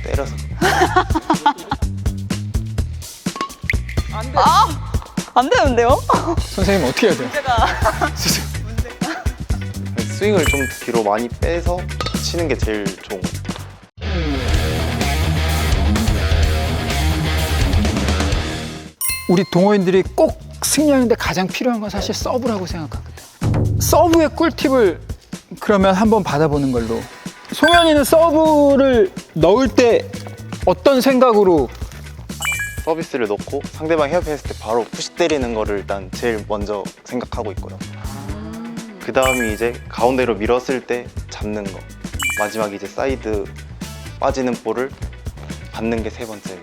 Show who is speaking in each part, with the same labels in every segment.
Speaker 1: 때려서.
Speaker 2: 안 되는데요?
Speaker 3: 선생님 어떻게 해야 돼요?
Speaker 1: 스윙을 좀 뒤로 많이 빼서 치는 게 제일 좋은 것 같아요.
Speaker 3: 우리 동호인들이 꼭 승리하는데 가장 필요한 건 사실 서브라고 생각하거든. 서브의 꿀팁을 그러면 한번 받아보는 걸로. 송현이는 서브를 넣을 때 어떤 생각으로?
Speaker 1: 서비스를 넣고 상대방 헤어핀했을 때 바로 푸시 때리는 거를 일단 제일 먼저 생각하고 있고요. 그 다음이 이제 가운데로 밀었을 때 잡는 거, 마지막 이제 사이드 빠지는 볼을 받는 게 세 번째.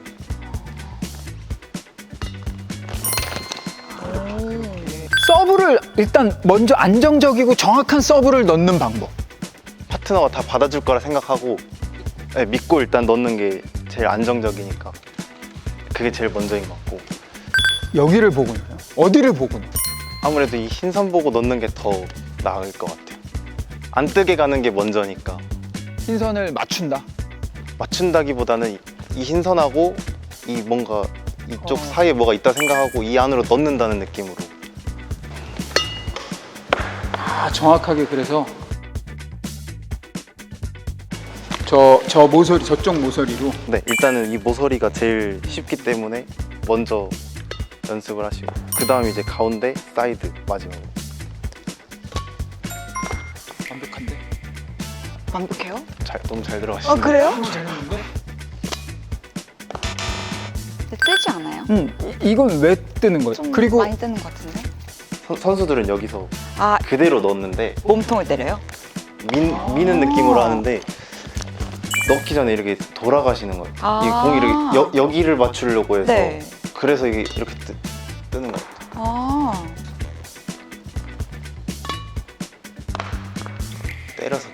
Speaker 3: 서브를 일단 먼저 안정적이고 정확한 서브를 넣는 방법.
Speaker 1: 파트너가 다 받아줄 거라 생각하고 믿고 일단 넣는 게 제일 안정적이니까 그게 제일 먼저인 것 같고,
Speaker 3: 여기를 보고 넣어요? 어디를 보고 넣어요?
Speaker 1: 아무래도 이 흰선 보고 넣는 게 더 나을 것 같아요. 안 뜨게 가는 게 먼저니까.
Speaker 3: 흰선을 맞춘다.
Speaker 1: 맞춘다기보다는 이 흰선하고 이 뭔가 이쪽 사이에 뭐가 있다 생각하고 이 안으로 넣는다는 느낌으로.
Speaker 3: 아, 정확하게. 그래서 저 모서리, 저쪽 모서리로.
Speaker 1: 네, 일단은 이 모서리가 제일 쉽기 때문에 먼저 연습을 하시고, 그 다음 이제 가운데, 사이드 마지막으로.
Speaker 3: 완벽한데?
Speaker 2: 완벽해요?
Speaker 1: 너무 잘 들어가시네요.
Speaker 2: 그래요?
Speaker 3: 잘 넣는데?
Speaker 2: 근데 뜨지 않아요?
Speaker 3: 이건 왜 뜨는 거예요?
Speaker 2: 좀
Speaker 3: 그리고
Speaker 2: 많이 뜨는 것 같은데?
Speaker 1: 선수들은 여기서
Speaker 2: 아,
Speaker 1: 그대로 넣었는데
Speaker 2: 몸통을 때려요?
Speaker 1: 미는 느낌으로 하는데 넣기 전에 이렇게 돌아가시는 거예요. 이 공이 이렇게 여기를 맞추려고 해서.
Speaker 2: 네.
Speaker 1: 그래서 이게 이렇게 뜨는 거예요.
Speaker 2: 아,
Speaker 1: 때려서.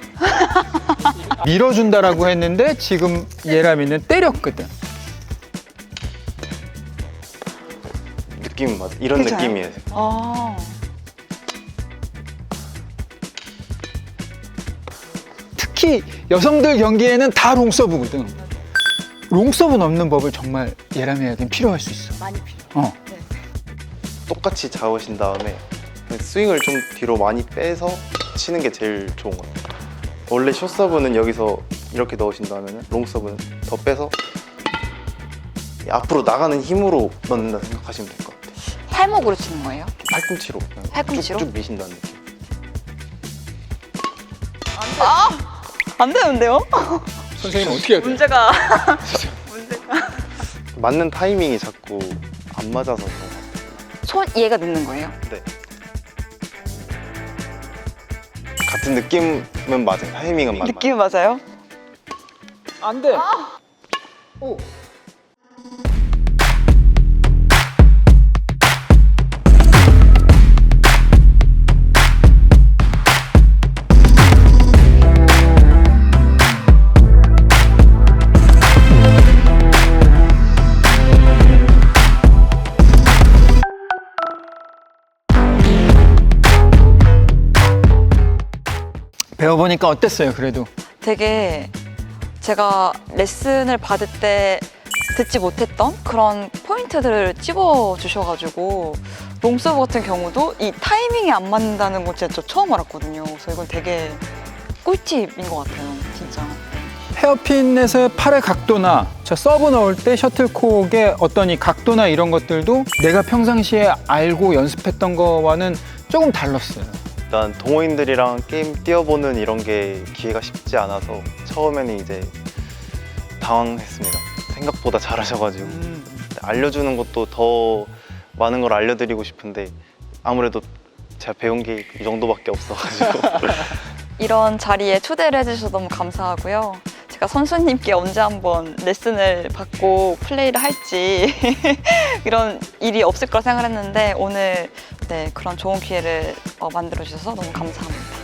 Speaker 3: 밀어준다라고 했는데 지금 예람이는 때렸거든.
Speaker 1: 느낌은 맞아. 이런
Speaker 2: 괜찮아요?
Speaker 1: 느낌이에요.
Speaker 2: 아.
Speaker 3: 특히 여성들 경기에는 다 롱서브거든. 롱서브 넣는 법을 정말 예람이에겐 필요할 수 있어.
Speaker 2: 많이 필요해요.
Speaker 3: 어.
Speaker 1: 똑같이 잡으신 다음에 스윙을 좀 뒤로 많이 빼서 치는 게 제일 좋은 것 같아요. 원래 숏서브는 여기서 이렇게 넣으신다면 롱서브는 더 빼서 앞으로 나가는 힘으로 넣는다 생각하시면 될 것 같아요.
Speaker 2: 팔목으로 치는 거예요?
Speaker 1: 팔꿈치로 그냥
Speaker 2: 팔꿈치로?
Speaker 1: 쭉쭉 미신다는 느낌.
Speaker 2: 안 되는데요?
Speaker 3: 선생님 어떻게 해야 돼?
Speaker 2: 문제가
Speaker 1: 맞는 타이밍이 자꾸 안 맞아서 그런 것 같아요.
Speaker 2: 손 얘가 늦는 거예요?
Speaker 1: 네. 같은 느낌은 맞아요. 타이밍은 맞아요.
Speaker 2: 느낌 맞아요?
Speaker 3: 안 돼. 오. 배워보니까 어땠어요, 그래도?
Speaker 2: 되게 제가 레슨을 받을 때 듣지 못했던 그런 포인트들을 찝어 주셔가지고 롱서브 같은 경우도 이 타이밍이 안 맞는다는 건 진짜 저 처음 알았거든요. 그래서 이건 되게 꿀팁인 것 같아요, 진짜.
Speaker 3: 헤어핀에서의 팔의 각도나 저 서브 넣을 때 셔틀콕의 어떤 이 각도나 이런 것들도 내가 평상시에 알고 연습했던 거와는 조금 달랐어요.
Speaker 1: 일단 동호인들이랑 게임 뛰어보는 이런 게 기회가 쉽지 않아서 처음에는 이제 당황했습니다. 생각보다 잘하셔가지고 알려주는 것도 더 많은 걸 알려드리고 싶은데 아무래도 제가 배운 게 이 정도밖에 없어가지고
Speaker 2: 이런 자리에 초대를 해주셔서 너무 감사하고요. 제가 선수님께 언제 한번 레슨을 받고 플레이를 할지 이런 일이 없을 거라 생각을 했는데 오늘 네, 그런 좋은 기회를 만들어 주셔서 너무 감사합니다.